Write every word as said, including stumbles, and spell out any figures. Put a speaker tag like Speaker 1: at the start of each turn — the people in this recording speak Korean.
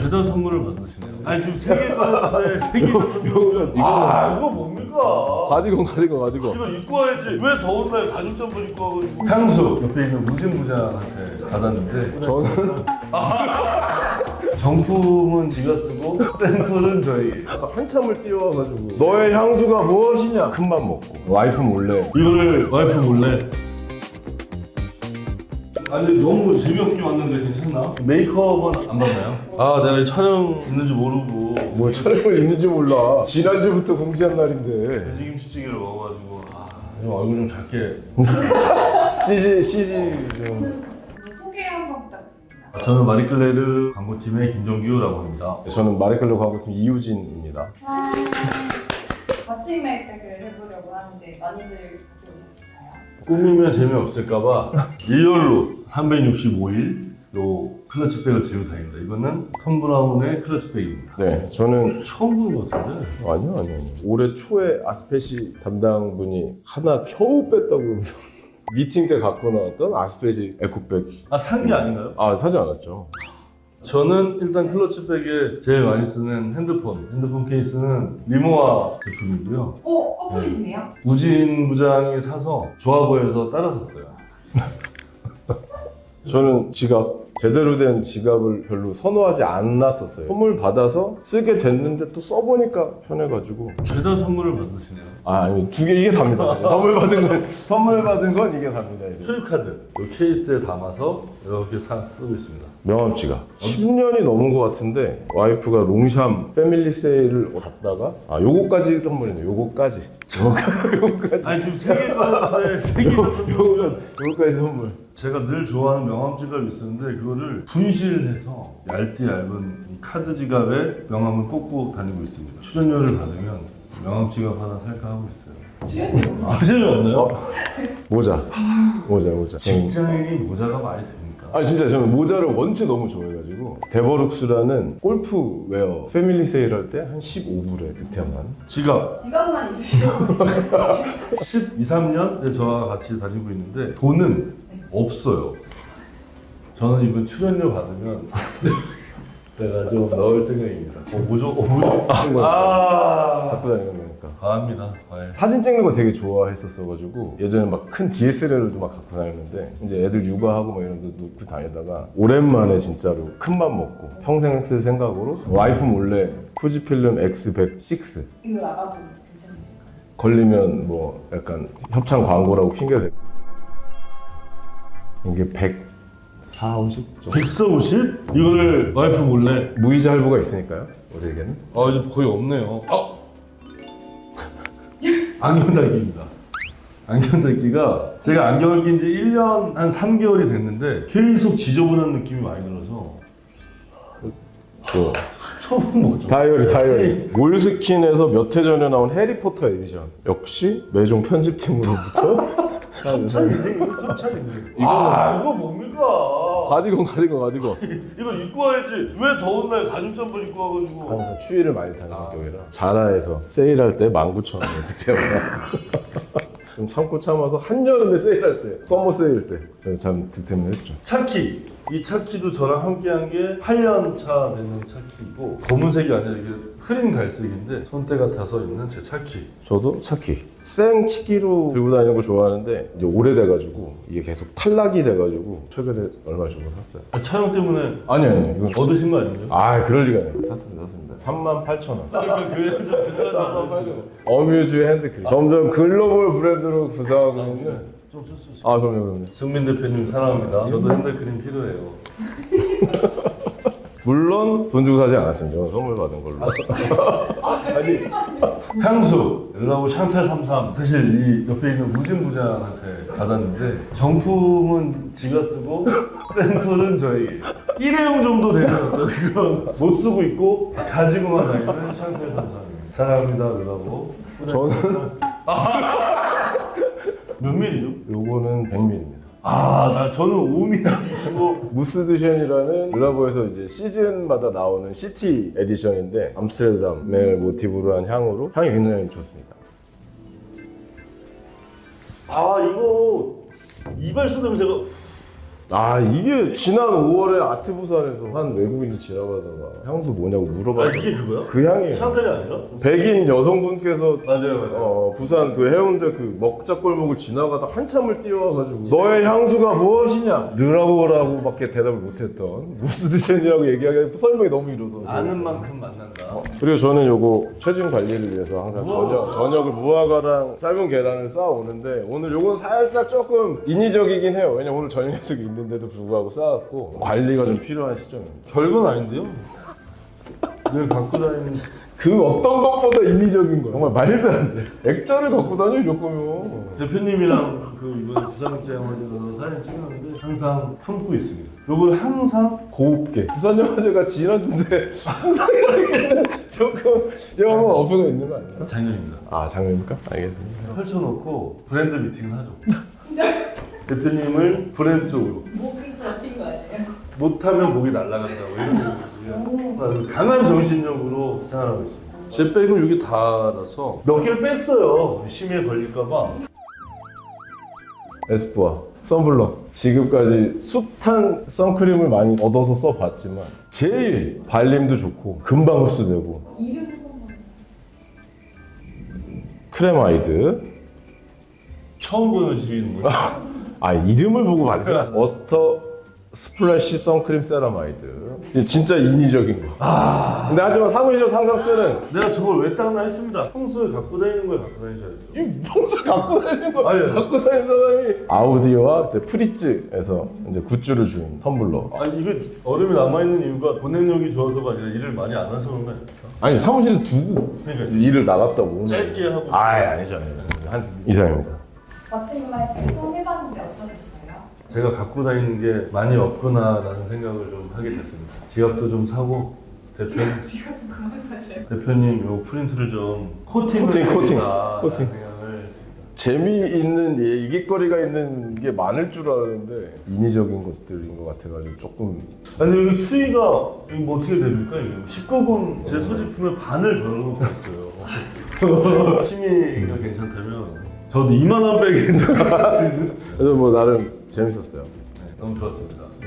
Speaker 1: 배달 선물을 받으시네요. 아니 지금 세 개가 세 개가 선물. 아 이거 뭡니까?
Speaker 2: 가디건 가디건 가디건.
Speaker 1: 이거 입고 와야지. 왜 더운 날 가죽 잠바 입고 와가지고. 향수 옆에 있는 무진부장한테 받았는데
Speaker 2: 저는
Speaker 1: 정품은 지가 쓰고 샘플은 저희.
Speaker 2: 한참을 뛰어와가지고 너의 향수가 무엇이냐? 큰맘 먹고 와이프 몰래
Speaker 1: 이거를 와이프 몰래. 아니 너무 재미없게 왔는데 괜찮나? 메이크업은 안 받나요? 아 내가 이 촬영 있는지 모르고
Speaker 2: 뭘 촬영을 있는지 몰라. 지난주부터 공지한 날인데
Speaker 1: 돼지김치찌개를 먹어가지고 아 좀 얼굴 좀 작게.
Speaker 2: 씨지 씨지 좀.
Speaker 3: 소개 한번 부탁드립니다.
Speaker 1: 저는 마리클레르 광고팀의 김종규라고 합니다.
Speaker 2: 저는 마리클로 광고팀 이우진입니다.
Speaker 3: 마침 메이크업을 해보려고 하는데 많이들 같이 오셨을까요?
Speaker 1: 꾸미면 재미없을까봐 일렬로 삼백육십오 일로 클러치백을 들고 다닙니다. 이거는 톰 브라운의 클러치백입니다.
Speaker 2: 네, 저는
Speaker 1: 처음 보는 것 같은데?
Speaker 2: 아니요 아니요 아니요. 올해 초에 아스페시 담당분이 하나 겨우 뺐다고 그러면서 미팅 때 갖고 나왔던 아스페시 에코백.
Speaker 1: 아, 산 게 아닌가요?
Speaker 2: 아 사지 않았죠.
Speaker 1: 저는 일단 클러치백에 제일 많이 쓰는 핸드폰, 핸드폰 케이스는 리모아 제품이고요.
Speaker 3: 오! 커플이시네요?
Speaker 1: 우진 부장이 사서 좋아 보여서 따라 샀어요.
Speaker 2: 저는 지갑, 제대로 된 지갑을 별로 선호하지 않았었어요. 선물 받아서 쓰게 됐는데 또 써보니까 편해가지고.
Speaker 1: 배달 선물을 받으시네요.
Speaker 2: 아 아니 두 개 이게 답니다. 선물 받은 건 선물 받은 건 이게 답니다. 이제.
Speaker 1: 출입카드 이 케이스에 담아서 이렇게 사, 쓰고 있습니다.
Speaker 2: 명함 지갑. 십 년이 넘은 것 같은데 와이프가 롱샴 패밀리 세일을 갔다가 아 요거까지 선물이네. 요거까지. 요거까지.
Speaker 1: 아니 지금 세 개가 네, 세 개가
Speaker 2: 요거 요거까지 선물.
Speaker 1: 제가 늘 좋아하는 명함 지갑이 있었는데 그거를 분실해서 얇디 얇은 이 카드 지갑에 명함을 꽂고 다니고 있습니다. 출연료를 받으면 명함 지갑 하나 살까 하고 있어요.
Speaker 3: 출연료?
Speaker 1: 아, 출연료 없나요?
Speaker 2: 모자. 모자 모자.
Speaker 1: 직장인이 모자가 많이 됩니까?
Speaker 2: 아니 진짜 저는 모자를 원체 너무 좋아해가지고 데버룩스라는 골프 웨어 패밀리 세일할 때 한 십오 불에 득템한
Speaker 1: 지갑
Speaker 3: 지갑만 있으시죠?
Speaker 1: 십이, 삼 년 저와 같이 다니고 있는데 돈은 없어요. 저는 이번 출연료 받으면 내가 좀 넣을 생각입니다. 어, 뭐죠? 어, 뭐죠? 아,
Speaker 2: 갖고 다니는 거니까.
Speaker 1: 과합니다. 과해.
Speaker 2: 사진 찍는 거 되게 좋아했었어가지고 예전에 막 큰 디에스엘알도 막 갖고 다녔는데 이제 애들 육아하고 막 이런 데 놓고 다니다가 오랜만에 진짜로 큰 맘 먹고 평생 쓸 생각으로 와이프 몰래 후지필름 엑스 백육
Speaker 3: 이거 나가도 괜찮으실까요?
Speaker 2: 걸리면 뭐 약간 협찬 광고라고 핑계 대고 이게 백사, 오십 정도?
Speaker 1: 백사오십? 이거를 와이프 몰래.
Speaker 2: 무이자 할부가 있으니까요 우리에게는.
Speaker 1: 아 이제 거의 없네요. 아! 안경 닦기입니다. 안경 닦기가 제가 안경을 낀 지 일 년 한 삼 개월이 됐는데 계속 지저분한 느낌이 많이 들어서
Speaker 2: 또
Speaker 1: 처음 먹죠.
Speaker 2: 다이어리 다이어리 몰스킨에서 몇 해 전에 나온 해리포터 에디션 역시 매종 편집팀으로부터
Speaker 1: 아 이거 뭡니까?
Speaker 2: 가디건 가디건 가디건
Speaker 1: 이걸 입고 와야지. 왜 더운 날 가죽 잠바 입고 와가지고.
Speaker 2: 항상 추위를 많이 타는 성격이라 자라에서 세일할 때 만 구천 원 득템하다 좀 참고 참아서 한여름에 세일할 때 서머 세일 때 참 득템을 했죠.
Speaker 1: 차키. 이 차키도 저랑 함께한 게 팔 년 차 되는 차키이고 검은색이 아니라 이게 흐린 갈색인데 손때 같아서 있는 제 차키.
Speaker 2: 저도 차키 생 치키로 들고 다니는 거 좋아하는데 이제 오래돼가지고 이게 계속 탈락이 돼가지고 최근에 얼마 주고 샀어요.
Speaker 1: 아, 촬영 때문에
Speaker 2: 아니 아니 이건
Speaker 1: 얻으신 거 아니에요?
Speaker 2: 아 그럴 리가 아니에요. 샀습니다 샀습니다 삼만 팔천 원.
Speaker 1: 그 여자 비싸지 않아요?
Speaker 2: 어뮤즈 핸드크림 점점 글로벌 브랜드로 구사하고 있는.
Speaker 1: 좀 쓸수 있어요.
Speaker 2: 아 그럼요 그럼요.
Speaker 1: 승민 대표님 사랑합니다. 저도 핸드크림 필요해요.
Speaker 2: 물론 돈 주고 사지 않았습니다. 선물 받은 걸로.
Speaker 1: 아니 향수 르라보 샹탈 삼십삼 사실 이 옆에 있는 우진 부장한테 받았는데 정품은 지가 쓰고 샘플은 저희 일회용 정도 되는 어떤 그런 못 쓰고 있고 가지고만 다니는 샹탈 삼십삼입니다. 사랑합니다 르라보.
Speaker 2: 저는
Speaker 1: 몇 밀리죠?
Speaker 2: 요거는 백 밀리리터입니다.
Speaker 1: 아, 나 저는 오 밀리리터고
Speaker 2: 무스드셴이라는 르라보에서 이제 시즌마다 나오는 시티 에디션인데 암스테르담을 모티브로 한 향으로 향이 굉장히 좋습니다.
Speaker 1: 아 이거 이발소 냄새가
Speaker 2: 아 이게 지난 오월에 아트 부산에서 한 외국인이 지나가다가 향수 뭐냐고
Speaker 1: 아
Speaker 2: 물어봤는데
Speaker 1: 이게 그거야?
Speaker 2: 그 향이에요.
Speaker 1: 샹텔이 아니라?
Speaker 2: 백인 여성분께서
Speaker 1: 맞아요 맞아요.
Speaker 2: 어, 부산 그 해운대 그 먹자골목을 지나가다 한참을 뛰어와가지고 너의 향수가 무엇이냐? 르라고라고 밖에 대답을 못했던 무스드젠이라고 얘기하기 설명이 너무 이뤄서
Speaker 1: 아는 만큼 만난다.
Speaker 2: 그리고 저는 요거 체중 관리를 위해서 항상 저녁, 저녁을 무화과랑 삶은 계란을 쌓아오는데 오늘 요건 살짝 조금 인위적이긴 해요. 왜냐면 오늘 저녁 약속이 있는데도 불구하고 쌓았고 관리가 좀 필요한 시점입니다.
Speaker 1: 별건 아닌데요? 늘 갖고 다니는
Speaker 2: 그 어떤 것보다 인위적인 거야. 정말 말도 안 돼. 액자를 갖고 다녀 이럴 거면.
Speaker 1: 대표님이랑 그 이번에 부산국제영화제에서 사진 찍었는데 항상 품고 있습니다. 요걸 항상
Speaker 2: 고급게. 부산영화제가 지난주인데 항상이라기에는 조금 영화 어폐가 있는 거 아니야?
Speaker 1: 작년입니다.
Speaker 2: 아 장면입니까? 알겠습니다.
Speaker 1: 펼쳐놓고 브랜드 미팅을 하죠. 대표님을 브랜드 쪽으로
Speaker 3: 목이 잡힌 거 아니에요?
Speaker 1: 못하면 목이 날아간다고 이런 강한 정신력으로 생활하고 있습니다. 제 백을 여기 달아서 몇 개를 뺐어요. 심의에 걸릴까봐.
Speaker 2: 에스쁘아 선블럭 지금까지 숱한 선크림을 많이 얻어서 써봤지만 제일 발림도 좋고 금방 흡수되고
Speaker 3: 이름 한 번만.
Speaker 2: 크레마이드
Speaker 1: 처음 보시는 분.
Speaker 2: 아 이름을 보고 받지 않았어. 워터 스플래시 선크림 세라마이드 이게 진짜 인위적인 거.
Speaker 1: 아,
Speaker 2: 근데 하지만 사무실에서 항상 쓰는
Speaker 1: 내가 저걸 왜 닦나 했습니다. 평소에 갖고 다니는 걸 갖고 다니셔야죠.
Speaker 2: 이 평소에 갖고 다니는 거
Speaker 1: 아니,
Speaker 2: 갖고 다니는 사람이 아우디오와 그때 프리츠에서 이제 굿즈를 준 텀블러.
Speaker 1: 아니 이게 얼음이 남아있는 이유가 보냉력이 좋아서가 아니라 일을 많이 안 해서 그런 거 아닙니까?
Speaker 2: 아니 사무실에 두고
Speaker 1: 그러니까
Speaker 2: 일을 나갔다 오는.
Speaker 1: 짧게 하고.
Speaker 2: 아 아니죠 아니죠. 한 이상입니다.
Speaker 3: 마침말 배송 해봤는데 어떠셨어요?
Speaker 1: 제가 갖고 다니는 게 많이 없구나라는 생각을 좀 하게 됐습니다. 지갑도 좀 사고 대표님,
Speaker 3: 지금 그만 사셔요.
Speaker 1: 대표님 요 프린트를 좀 코팅을
Speaker 2: 코팅, 코팅,
Speaker 1: 해야겠다라는
Speaker 2: 코팅.
Speaker 1: 생각을 했습니다.
Speaker 2: 재미있는 얘기거리가 있는 게 많을 줄 알았는데 인위적인 것들인 것 같아가지고 조금
Speaker 1: 아니 여기 수위가 여기 뭐 어떻게 됩니까? 이게 십구 금 제 소지품의 반을 덜어놓고 있어요. 심의가 괜찮다면 저도 이만 원 백인데
Speaker 2: 그래서 뭐 나름 재밌었어요.
Speaker 1: 네, 너무 좋았습니다.